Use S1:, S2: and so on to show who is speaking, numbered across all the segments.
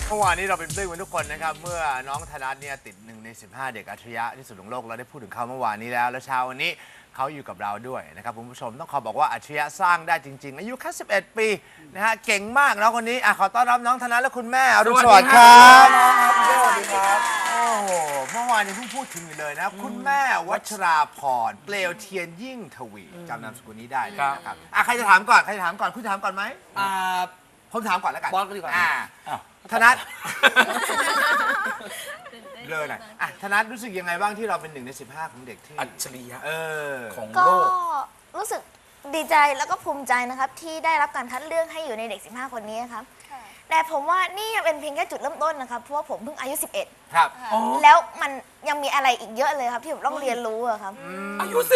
S1: เมื่อวานนี้เราเป็นปลื้มกันทุกคนนะครับเมื่อน้องธนัทเนี่ยติด1 ใน 15 เด็กอัจฉริยะที่สุดของโลกเราได้พูดถึงเขาเมื่อวานนี้แล้วเช้าวันนี้เขาอยู่กับเราด้วยนะครับคุณผู้ชมต้องขอบอกว่าอัจฉริยะสร้างได้จริงๆอายุแค่11 ปีนะฮะเก่งมากน้องคนนี้ขอต้อนรับน้องธนัทและคุณแม่อรุณสวัสดิ์ครับสวัสดีครับโอ้โหเมื่อวานนี้เพิ่งพูดถึงอยู่เลยนะคุณแม่วัชราพรเปลวเทียนยิ่งทวีจำนามสกุลนี้ได้เลยนะครับใครจะถามก่อนคุณถามก่อนไหมผมถามก่อนแล้วกัน
S2: บอสก็ดีกว่า
S1: ธนัทเลยหน่อยธนัทรู้สึกยังไงบ้างที่เราเป็น1 ใน 15ของเด็กที่
S2: อัจฉริยะของ
S3: ก็
S2: โลก
S3: รู้สึกดีใจแล้วก็ภูมิใจนะครับที่ได้รับการคัดเลือกให้อยู่ในเด็ก 15 คนนี้ครับแต่ผมว่านี่ยังเป็นเพียงแค่จุดเริ่มต้นนะครับเพราะว่าผมเพิ่งอายุ 11
S1: ครับ
S3: แล้วมันยังมีอะไรอีกเยอะเลยครับที่ผมต้องเรียนรู้อะครับ
S2: อายุ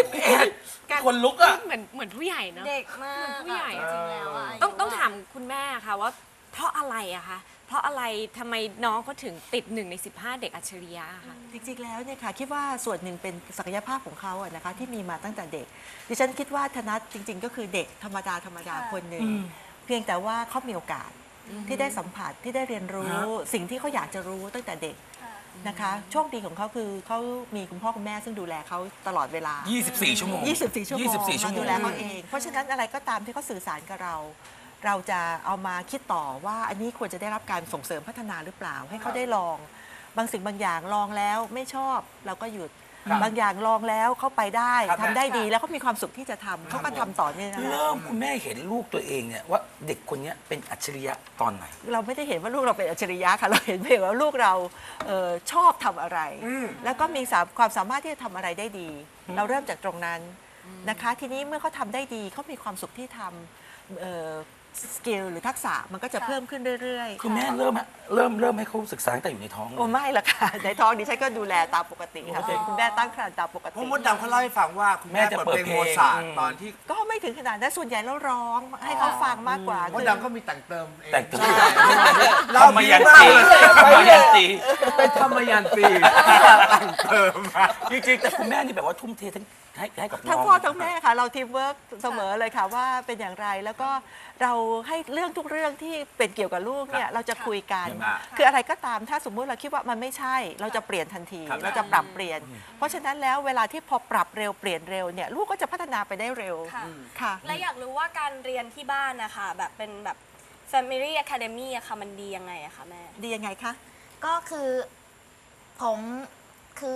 S2: 11คนลุกอะ
S4: เหมือนผู้ใหญ่เนาะ
S5: เด็กมาก
S4: ผู้ใหญ่
S5: จริงๆแล้ว
S4: ต้องถามคุณแม่ค่ะว่าเพราะอะไรอะคะเพราะอะไรทำไมน้องเขาถึงติด1 ใน 15 เด็กอัจฉริยะค่ะ
S6: จริงๆแล้วเนี่ยค่ะคิดว่าส่วนหนึ่งเป็นศักยภาพของเขาอะนะคะที่มีมาตั้งแต่เด็กดิฉันคิดว่าธนัทจริงๆก็คือเด็กธรรมดาคนหนึ่งเพียงแต่ว่าเขามีโอกาสที่ได้สัมผัสที่ได้เรียนรู้สิ่งที่เขาอยากจะรู้ตั้งแต่เด็กนะคะโชคดีของเขาคือเขามีคุณพ่อคุณแม่ซึ่งดูแลเขาตลอดเวลา
S2: 24 ชั่วโมง
S6: ดูแลเขาเองเพราะฉะนั้นอะไรก็ตามที่เขาสื่อสารกับเราจะเอามาคิดต่อว่าอันนี้ควรจะได้รับการส่งเสริมพัฒนาหรือเปล่าให้เขาได้ลองบางสิ่งบางอย่างลองแล้วไม่ชอบเราก็หยุดบางอย่างลองแล้วเขาไปได้ทำได้ดีแล้วเขามีความสุขที่จะทำเขาก็ทำต่อเนื่อง
S2: เริ่มคุณแม่เห็นลูกตัวเองเนี่ยว่าเด็กคนนี้เป็นอัจฉริยะตอนไหน
S6: เราไม่ได้เห็นว่าลูกเราเป็นอัจฉริยะค่ะเราเห็นเพียงว่าลูกเราชอบทำอะไรแล้วก็มีความสามารถที่จะทำอะไรได้ดีเราเริ่มจากตรงนั้นนะคะทีนี้เมื่อเขาทำได้ดีเขามีความสุขที่ทำสกิลหรือทักษะมันก็จะเพิ่มขึ้นเรื่อย
S2: ๆคือแม่เริ่มให้เขาศึกษาตั้งแต่อยู่ในท้อง
S6: โอ้ไม่ละค่ะในท้องดิฉันก็ดูแลตามปกติค่ะคุณแม่ตั้งครรภ์ตามปกติ
S1: พ่อมดดำเขาเล่าให้ฟังว่าคุณแม่เปิดเพลงโมซาร์ทตอนที่
S6: ก็ไม่ถึงขนาดนั้นส่วนใหญ่แล้วร้องให้เขาฟังมากกว่าม
S1: ดดำก็มีแต่งเติมเอง
S2: แต่งเติมเราธรรมยันตี
S1: เป็นธรรมยันตีแต่งเติม
S2: จริงๆแต่คุณแม่นี่แบบว่าทุ่มเทให้กับน้อง
S6: ทั้งพ่อทั้งแม่ค่ะเราทีมเวิร์กเสมอเลยค่ะว่าเป็นอย่างไรแล้วก็เราให้เรื่องทุกเรื่องที่เป็นเกี่ยวกับลูกเนี่ยเราจะคุยกันคืออะไรก็ตามถ้าสมมุติเราคิดว่ามันไม่ใช่เราจะเปลี่ยนทันทีเราจะปรับเปลี่ยนเพราะฉะนั้นแล้วเวลาที่พอปรับเร็วเปลี่ยนเร็วเนี่ยลูกก็จะพัฒนาไปได้เร็ว
S5: ค่ะและอยากรู้ว่าการเรียนที่บ้านนะคะแบบเป็นแบบ Family Academy อะค่ะมันดียังไงอะคะแม่
S6: ดียังไงคะ
S3: ก็คือผมคือ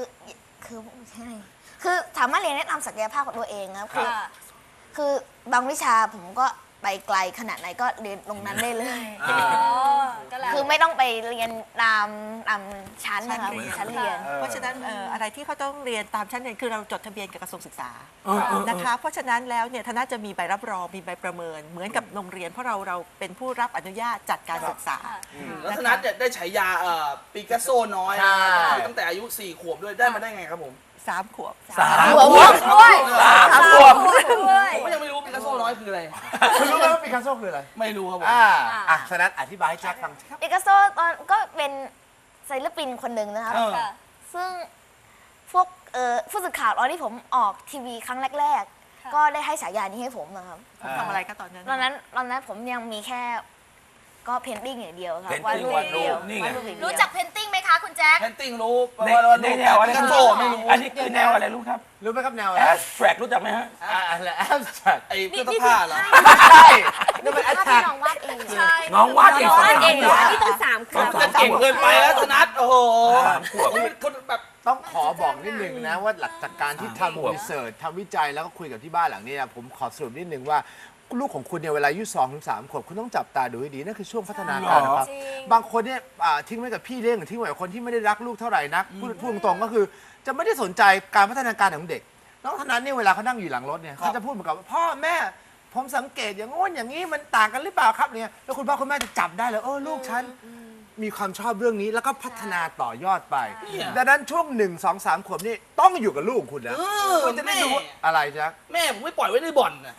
S3: สามารถเรียนแนะนำศักยภาพของตัวเองครับคือบางวิชาผมก็ไปไกลขนาดไหนก็เรียนตรงนั้นได้เลยคือไม่ต้องไปเรียนตามชั้นนะครับชั้นเรียน
S6: เพราะฉะนั้นอะไรที่เขาต้องเรียนตามชั้นเรียนคือเราจดทะเบียนกับกระทรวงศึกษานะคะเพราะฉะนั้นแล้วเนี่ยธนาจะมีใบรับรองมีใบประเมินเหมือนกับโรงเรียนเพราะเราเป็นผู้รับอนุญาตจัดการศึกษา
S2: แล้วธนาได้ฉายาปิกัสโซน้อยตั้งแต่อายุ4 ขวบด้วยได้มาได้ไงครับผม
S6: 3 ขวบ
S2: 3 ขวบด้วย3 ขวบผมก็ยังไม่รู้ปิกัสโซน้อยคืออะไร
S1: คุณรู้ไหมว่าปิกัสโซคืออะไร
S2: ไม่รู้ครับผม
S1: ธนัทอธิบายให้แจ็คฟังครับ
S3: ปิกัสโซตอนก็เป็นศิลปินคนหนึ่งนะครับซึ่งพวกผู้สื่อข่าวตอนที่ผมออกทีวีครั้งแรกๆก็ได้ให้ฉายานี้ให้ผมนะครับ
S6: ทำอะไรก็ตอนนั้น
S3: ผมยังมีแค่ก็เพนติ้งอย่างเดียวครับ
S2: วาดรูปเดียว
S5: รู้จักเพนติ้งไหมคะคุณแจ็ค
S2: เพนติ้งรู้ในแนวอะไรกันโตไม่รู้อันนี้คือแนวอะไรรู้ครับ
S1: รู้ไหมครับแนวอะไร
S2: แอสแทร็กรู้จักไหมฮะ
S1: อะไรแอสแทร็ก
S2: ไอ้เสื้อผ้าเหรอ
S1: ใช่นี่เป็นแอสแทร็ก
S3: น้องวาดเอง
S2: น้องวาดเอง
S4: ที่ต้อง3 ขวบ
S2: เก่งเกินไปแล้วธนัทโอ้โหคนแบบ
S1: ต้องขอบอกนิดนึงนะว่าหลักจากการที่ทำรีเสิร์ชทำวิจัยแล้วก็คุยกับที่บ้านหลังนี้นะผมขอสรุปนิดนึงว่าลูกของคุณเนี่ยเวลาอายุ2 ถึง 3 ขวบคุณต้องจับตาดูให้ดีนั่นคือช่วงพัฒนาการนะครับบางคนเนี่ยทิ้งไว้กับพี่เลี้ยงหรือทิ้งไว้กับคนที่ไม่ได้รักลูกเท่าไหร่นักพูดตรงๆก็คือจะไม่ได้สนใจการพัฒนาการของเด็กน้องธนัทเนี่ยเวลาเขานั่งอยู่หลังรถเนี่ยเขาจะพูดเหมือนกับว่าพ่อแม่ผมสังเกตอย่างโน้นอย่างนี้มันต่างกันหรือเปล่าครับเนี่ยแล้วคุณพ่อคุณแม่จะจับได้เลยลูกฉันมีความชอบเรื่องนี้แล้วก็พัฒนาต่อยอดไปดังนั้นช่วง1 2 3 ขวบนี่ต้องอยู่กับลูกคุณนะคุณจะได้รู้อะไรจ๊ะ
S2: แม่ผมไม่ปล่อยไว้ในบ่อนนะ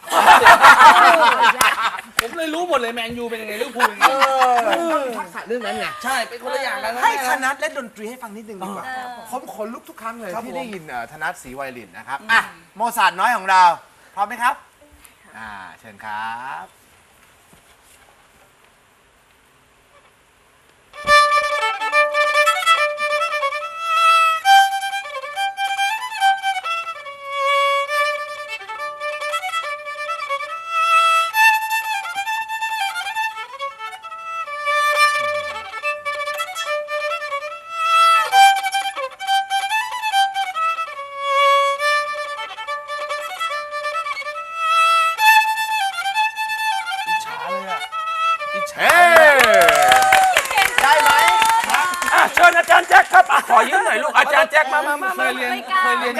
S2: ผมเลยรู้หมดเลยแมนยูเป็นยังไงลิเวอร์พูลเป็นยังไง
S1: ทักษะเรื่องนั้นไง
S2: ใช่เป็นคนละอย่างกัน
S1: ให้ธนัทเล่นดนตรีให้ฟังนิดนึงดีกว่าผมขนลุกทุกครั้งเลยที่ได้ยินธนัทศรีไวลินนะครับโมซาร์ทน้อยของเราพร้อมไหมครับเชิญครับเฮ้ได้ไหม
S7: เชิญอาจารย์แจ็คครับขอยืมหน่อยลูกอาจารย์แจ็คมา
S2: เคยเรียน
S1: ได้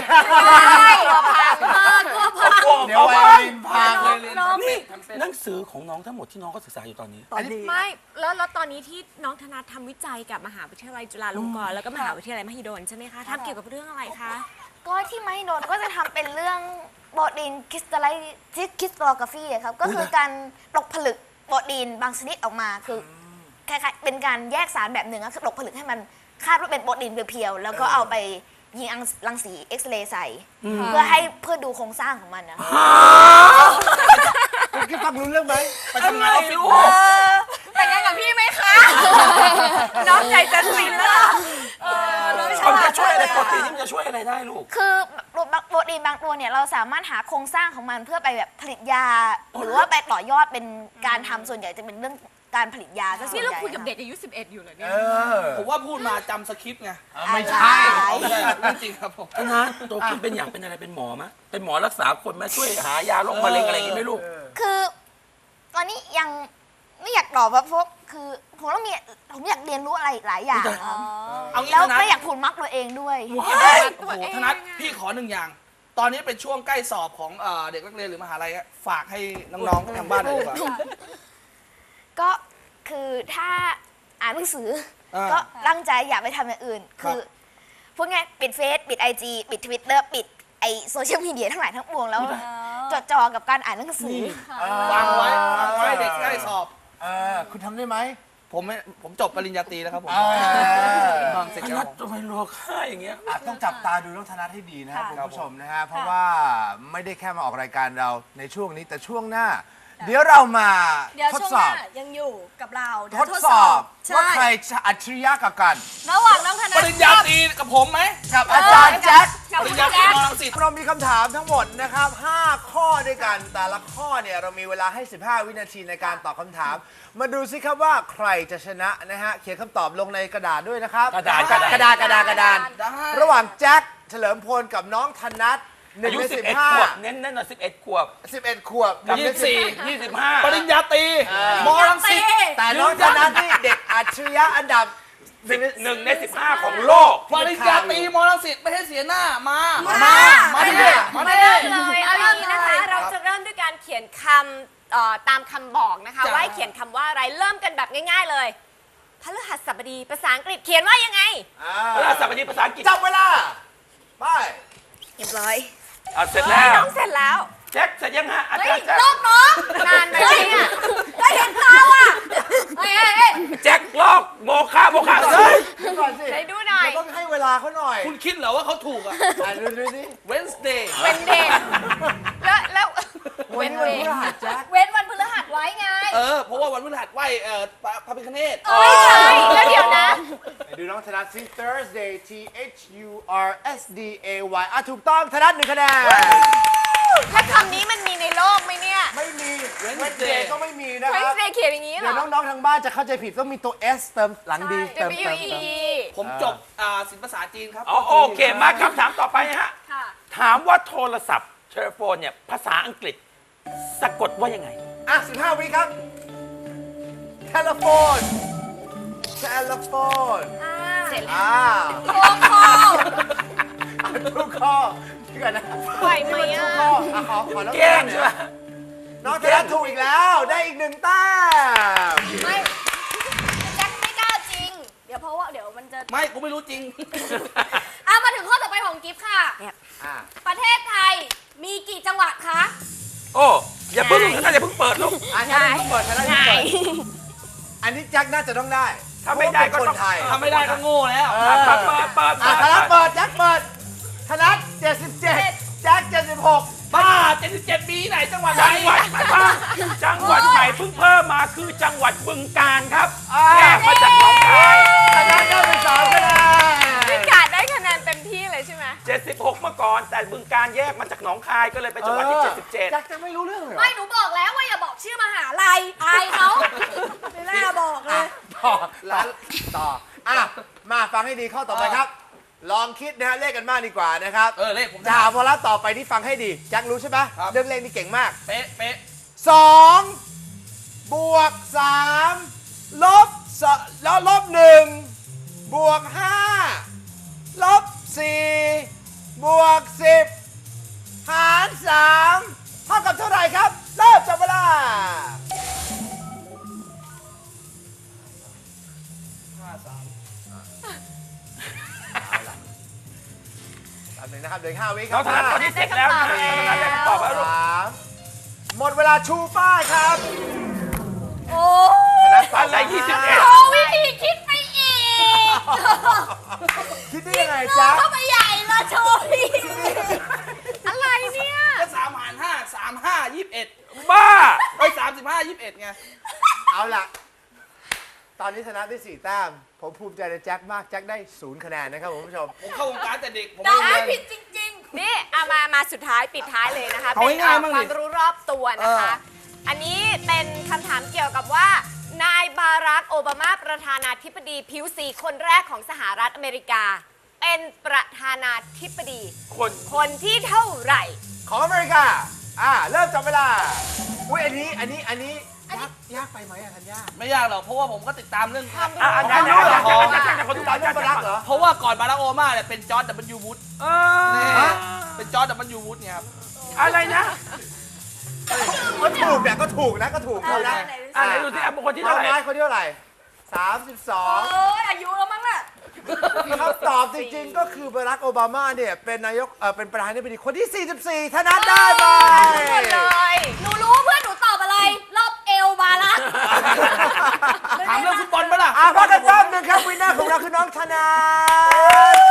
S1: เดี๋ยวไวโอลินพัง
S7: นี่หนังสือของน้องทั้งหมดที่น้องก็ศึกษาอยู่ตอนนี้
S6: ตอนนี้
S4: ไม่แล้วตอนนี้ที่น้องธนัททำวิจัยกับมหาวิทยาลัยจุฬาลงกรณ์แล้วก็มหาวิทยาลัยมหิดลใช่ไหมคะทำเกี่ยวกับเรื่องอะไรคะ
S3: ก็ที่ไม่โดนก็จะทำเป็นเรื่องโปรตีนคริสตัลไลคริสตัลกราฟีครับก็คือการตกผลึกโปรตีนบางชนิดออกมาคือคล้ายๆเป็นการแยกสารแบบหนึ่งก็คือตกผลึกให้มันคาดว่าเป็นโปรตีนเพียวๆแล้วก็เอาไปยิงรังสีเอ็กซเรย์ใส่เพื่อดูโครงสร้างของมันนะ
S1: คุณคิดฟังรู้เรื่องไหม
S2: ไปทำงานออฟฟิศ
S5: แต่งงานกับพี่ไหมคะ
S4: น้องใจจะสินแล้ว
S7: มันจะช่วยอะไรโปรตีนนี่มันจะช่วยอะไรได้ลูก
S3: คือโปรตีนบางตัวเนี่ยเราสามารถหาโครงสร้างของมันเพื่อไปแบบผลิตยา หรือว่าไปต่อยอดเป็นการทำส่วนใหญ่จะเป็นเรื่องการผลิตยาซะส่วน
S4: นี่
S3: ใหญ่
S4: เราคุยกับเด็กอายุ 11 อยู่เหรอเนี่ย
S2: ผมว่าพูดมาจำสคริปต์ไง
S1: ไม่ใช่
S2: ไม่ใช่เรื่องจริงครับผม
S7: นะโตขึ้นเป็นอย่างเป็นอะไรเป็นหมอไหมเป็นหมอรักษาคนไหมช่วยหายาโรคมะเร็งอะไรอย่างงี้ไหมลูก
S3: คือตอนนี้ยังไม่อยากตอบเพราะคือผมอยากเรียนรู้อะไรหลายอย่างครับ
S2: เอางี้
S3: แล้ว
S2: ธนัท
S3: ไม่อยากผูกมักตัวเองด้วย
S2: โอ้โหธนัทพี่ขอหนึ่งอย่าง ตอนนี้เป็นช่วงใกล้สอบของเด็กนักเรียนหรือมหาลัยอะฝากให้น้องๆทางบ้านหน่อยดีกว่า
S3: ก็คือถ้าอ่านหนังสือก็ตั้งใจอย่าไปทำอย่างอื่น คือพวกไงปิดเฟซปิด IG ปิด Twitter ปิดไอโซเชียลมีเดียทั้งหลายทั้งปวงแล้วจดจ่อกับการอ่านหนังสือ
S2: วางไว้เด็กใกล้สอบ
S1: คุณทำได้ไหม
S2: ผมจบปริญญาตรีแล้วครับผม ฟังเสร็จ
S7: ธ
S2: แล้ว
S7: นัททำไมรอค่าอย่างเงี้ย
S1: ต้องจับตาดูน้องธนัทให้ดีนะครับคุณ
S2: ครับ
S1: ผู้ชมนะฮะเพราะว่าไม่ได้แค่มาออกรายการเราในช่วงนี้แต่ช่วงหน้า เดี๋ยวเรามา
S5: เดี๋ยว
S1: ทด
S5: ช่วง
S1: ส
S5: ห
S1: อ
S5: น้า
S1: บ
S5: ยังอยู่กับเราเดี๋
S1: ท
S5: ยว
S1: ดสอบ
S5: ใช่
S1: ว่าใครจะอัจฉริยะกับกัน
S5: ระหว่างน้องธนั
S2: ป
S5: ท
S2: ริญญาตรีกับผมไหม
S1: กับอาจารย์แจ็ค
S5: กับ
S2: ปริญ
S5: พี่
S2: ญาตรี
S5: แจ๊ค
S2: มรังสิต
S1: เรามีคำถามทั้งหมดนะครับ5ข้อด้วยกัน แต่ละข้อเนี่ยเรามีเวลาให้ 15 วินาทีในการตอบคำถาม มาดูสิครับว่าใครจะชนะนะฮะเขียนคำตอบลงในกระดาษด้วยนะครับ
S7: กระดาษ
S1: กระดาษ
S2: ได้
S1: ระหว่างแจ็คเฉลิมพลกับน้องธนัทหนึ่
S7: อาง ยุ
S1: ใน
S7: 11 ขวบ
S1: 15
S7: เน้นๆหน่อย11 ขวบ
S1: 11 ขวบ
S7: กับ
S2: 24 ปริญญาตรีมรังสิต
S1: แต่น้องธนัทนี่เด็กอัจฉริยะอันดับ
S7: 1 ใน 15 ของโลก
S2: ปริญญาตรีมรังสิตไม่ให้เสียหน้ามาดิมาดิ
S4: เลยเอาอย่างนี้นะคะ เราจะเริ่มด้วยการเขียนคำตามคำบอกนะคะ
S2: จ้ะ
S4: ว่าให้เขียนคำว่าอะไรเริ่มกันแบบง่าย ๆเลยพฤหัสบดีภาษาอังกฤษเขียนว่ายังไง
S7: เวลาสัปดาห์ภาษาอังกฤษ
S1: จับเวลา ไป
S3: เรียบร้อย
S7: เสร็จแล้ว
S4: ต้องเสร็จแล้ว
S7: แจ็คเสร็จยังฮะอา
S5: เฮ้
S7: จาย รย์แจ็ค
S5: ลูกน้อง
S4: นานไหมเนี่ย
S5: ก็เห็นตาว่ะเฮ้ย
S7: แจ็คลอกโมฆะ
S1: ดู
S7: เฮ้ย
S1: ก่อนสิ
S4: ไหนดูหน่อย
S1: เราต้องให้เวลาเขาหน่อย
S2: คุณคิดเหรอว่าเขาถูกอ่ะ
S1: ดูสิ
S2: Wednesday
S4: เป็นเด็กแล้ว
S1: วันนี้วันพฤหัสแจ็ค
S5: เว้นวันพฤหัสไว้ไง
S2: เพราะว่าวันพฤหัสไหว้พระพิฆเนศ
S4: ไม่ใช่แล้วเดี๋ยวนะ
S1: ดูน้องธนัทสิ Thursday T H U R S D A Y ถูกต้องธนัท1 คะแนน
S4: ถ้าคำนี้มันมีในโลกไหมเนี่ย
S1: ไม่มี
S2: Wednesday
S1: Wednesday ก็ไม่มีนะค
S4: เฮ้ย
S1: รับ
S4: เขียนอย่างนี้เหร
S1: เดี๋ยว
S4: อ
S1: น้องๆทางบ้านจะเข้าใจผิดต้องมีตัว S เติมหลังดี
S4: เดี๋ยว
S1: เติม
S4: ไปอยู่อี
S2: ผมจบศิลปภาษาจีนครับ
S7: โอเค มาคำถามต่อไปนะฮะ
S5: ค่ะ
S7: ถามว่าโทรศัพท์เทเลโฟนเนี่ย ภาษาอังกฤษ สะกดว่ายังไง
S1: 15 วิครับ Telephone Telephone
S4: เสร็จแล้ว
S1: ทุกข้อที่ก่อนนะ
S4: ไหวไหม
S1: ทุก
S4: อ่ะ
S1: ข้อขอน้อง
S7: แกล้งใช่ไหม
S1: น้องธนัทถูกอีกแล้ว ได้อีก1 แต้ม
S5: ไม่แจ็คไม่กล้าจริง เดี๋ยวเพราะว่าเดี๋ยวมันจะ
S2: ไม่กูไม่รู้จริง
S5: มาถึงข้อต่อไปของกิฟต์ค่ะ
S1: อ่ะ
S5: ประเทศไทยมีกี่จังหวัดคะ
S7: โอ้อย่าเพิ่งนะอย่าเพิ่งเปิดลูก
S1: ธนัทเปิดธนัทเปิดอันนี้แจ็คน่าจะต้องได้
S7: ถ้าไม่ได้ก็
S1: เพราะ
S7: ต้
S1: ว่าเป็นคน
S7: อง
S1: ไทย
S2: ทำไม่ได้ก็โง่แล้ว
S7: เปิดเปิด
S1: ธนัทเปิดแจ็คเปิดธนัท77แจ็ค76
S2: บ้า 77 ปีไหนจังหวัดไหน
S7: จังหวัดใหม่บ้างจังหวัดใหม่เพิ่งเพิ่มมาคือจังหวัดบึงกาฬครับแยกมาจากหนองคาย
S1: ธนัทได้ไป3 คะแนน
S4: พี่กาดได้คะแนนเต็มที่เลยใช่ไหม
S7: 76 เมื่อก่อน แต่บึงกาฬแยกมาจากหนองคายก็เลยเป็นจังหวัดที่ 77
S1: แจ็คจะไม่รู้เรื่องเลยเหรอ
S5: ไม่หนูบอกแล้วว่าอย่าบอกชื่อมหาลัยอายเขาไม่น่าบอกเลย
S1: ต่อมาฟังให้ดีข้อต่อไปครับ ลองคิดนะฮะเลขกันมากดีกว่านะครับ
S2: เลขผม
S1: จะหาพละต่อไปที่ฟังให้ดีแจ็ครู้ใช่ปะ
S2: ครับ
S1: เรื่องเลขนี่เก่งมาก
S2: เป๊ะ
S1: 2 บวก3ลบ1บวก5ลบ4บวก10หาร3เท่ากับเท่าไหร่ครับเริ่มจับเวลาอันหนึ่งนะครับเหลือ5 วิค
S7: น้
S1: รั
S7: อบ งธนัทตอนนี้เสร็จแล้วนะครับน้องธนัทได้คำตอบแล้วลูก
S1: หมดเวลาชูป้ายครับ
S5: โอ้
S7: อะไร21
S5: โหวิธีคิดไปอีก
S1: คิดได้ยังไงจ๊ะ
S5: เข้าไปใหญ่ละโชว์พี่
S4: อะไรเนี่ย
S2: ก็3 หาร 5 3 5 21
S7: บ้า
S2: ไอ้ย35 21ไง
S1: เอาล่ะ ตอนนี้ชนะได้4แต้ม ผมภูมิใจในแจ็คมาก แจ็คได้0คะแนนนะครับคุณผู้ชม
S2: ผมเข้าวงการแต่เด็กผม
S5: ได้
S2: ไม่เรียน
S5: ผิดจริง
S4: นี่เอามาสุดท้ายปิดท้ายเลยนะคะ
S2: เอา
S4: เป็น
S2: ง่ายๆบ้าง
S4: ค
S2: ดิ
S4: วามรู้รอบตัวนะคะ อันนี้เป็นคำถามเกี่ยวกับว่า นายบารักโอบามาประธานาธิบดีผิวสีคนแรกของสหรัฐอเมริกา เป็นประธานาธิบดี คนที่เท่าไหร่
S1: ของอเมริกา เริ่มจับเวลา อุ้ยอันนี้ยากไปไหมอะธัญญา
S2: ไม่ยากหรอกเพราะว่าผมก็ติดตามเรื่อง
S7: ได้คนดู
S1: ตอนนี้บารักเหรอ
S2: เพราะว่าก่อนบารักโอบามาเนี่ยเป็นจอร์จ W. วูด
S1: ฮะ
S2: เป็นจอร์จ W. วูดเนี่ยครับ
S7: อะไรนะ
S1: ก็ถูกเนี่ยก็ถูกนะก็ถูกเขานะ
S7: อะไรดูที่คนที่
S1: น้อ
S7: เท่าง ไหร่
S1: ไม้คนที่เท่าไหร่
S5: ๆ เอ้ยอายุแล้วมั้งน่ะ
S1: 32คำตอบจริงๆ ก็คือบารักโอบามาเนี่ยเป็นนายกเป็นประธานาธิบดีคนที่ 44ธนัทได้ไป
S4: หมดเลย
S5: หนูรู้เพื่อนหนูตอบอะไร รอบเอวบาลัก
S2: ถามเรื่องฟุตบอลไหมล่ะ
S1: พักกันแป๊บนึงครับวินเนอร์ของเราคือน้องธนัท